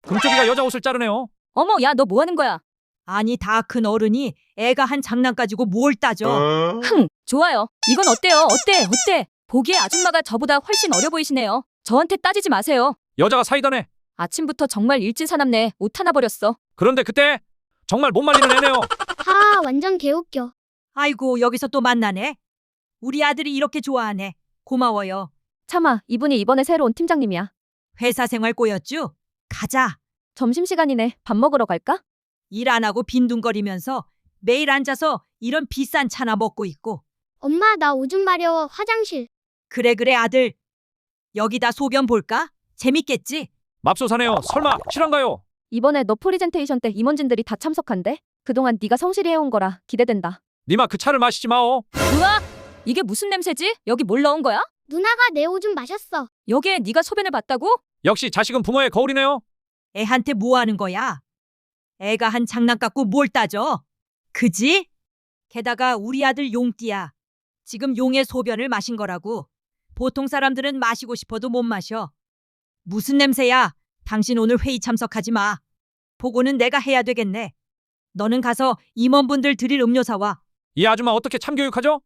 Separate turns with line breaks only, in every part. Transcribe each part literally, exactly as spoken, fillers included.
금쪽이가 여자 옷을 자르네요.
어머, 야, 너 뭐 하는 거야?
아니 다 큰 어른이 애가 한 장난 가지고 뭘 따져.
흥, 좋아요. 이건 어때요? 어때? 어때? 보기에 아줌마가 저보다 훨씬 어려 보이시네요. 저한테 따지지 마세요.
여자가 사이다네.
아침부터 정말 일진사납네. 옷 하나 버렸어.
그런데 그때 정말 못 말리는 애네요.
하, 완전 개웃겨.
아이고 여기서 또 만나네. 우리 아들이 이렇게 좋아하네. 고마워요.
참아, 이분이 이번에 새로 온 팀장님이야.
회사 생활 꼬였쥬? 가자.
점심시간이네. 밥 먹으러 갈까?
일 안 하고 빈둥거리면서 매일 앉아서 이런 비싼 차나 먹고 있고.
엄마, 나 오줌 마려워. 화장실.
그래 그래 아들. 여기다 소변 볼까? 재밌겠지?
맙소사네요. 설마 실한가요?
이번에 너 프리젠테이션 때 임원진들이 다 참석한대. 그동안 네가 성실히 해온 거라 기대된다.
니마 그 차를 마시지 마오.
으아! 이게 무슨 냄새지? 여기 뭘 넣은 거야?
누나가 내 오줌 마셨어.
여기에 네가 소변을 봤다고?
역시 자식은 부모의 거울이네요.
애한테 뭐 하는 거야? 애가 한 장난 갖고 뭘 따져? 그지? 게다가 우리 아들 용띠야. 지금 용의 소변을 마신 거라고. 보통 사람들은 마시고 싶어도 못 마셔. 무슨 냄새야? 당신 오늘 회의 참석하지 마. 보고는 내가 해야 되겠네. 너는 가서 임원분들 드릴 음료 사와.
이 아줌마 어떻게 참교육하죠?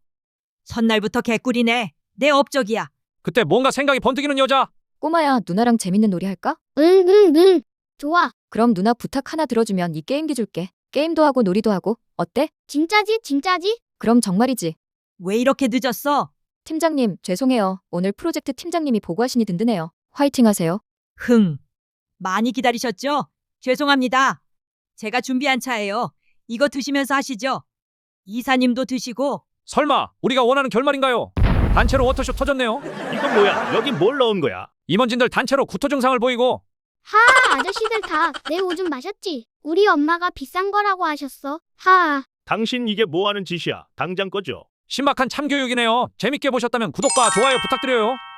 첫날부터 개꿀이네. 내 업적이야.
그때 뭔가 생각이 번뜩이는 여자.
꼬마야, 누나랑 재밌는 놀이 할까?
응, 응, 응. 좋아.
그럼 누나 부탁 하나 들어주면 이 게임기 줄게. 게임도 하고 놀이도 하고. 어때?
진짜지, 진짜지?
그럼 정말이지.
왜 이렇게 늦었어?
팀장님, 죄송해요. 오늘 프로젝트 팀장님이 보고하시니 든든해요. 화이팅 하세요.
흥. 많이 기다리셨죠? 죄송합니다. 제가 준비한 차예요. 이거 드시면서 하시죠. 이사님도 드시고.
설마 우리가 원하는 결말인가요? 단체로 워터쇼 터졌네요.
이건 뭐야? 여기 뭘 넣은 거야?
임원진들 단체로 구토 증상을 보이고.
하, 아저씨들 다 내 오줌 마셨지? 우리 엄마가 비싼 거라고 하셨어. 하.
당신 이게 뭐 하는 짓이야? 당장 꺼져.
신박한 참교육이네요. 재밌게 보셨다면 구독과 좋아요 부탁드려요.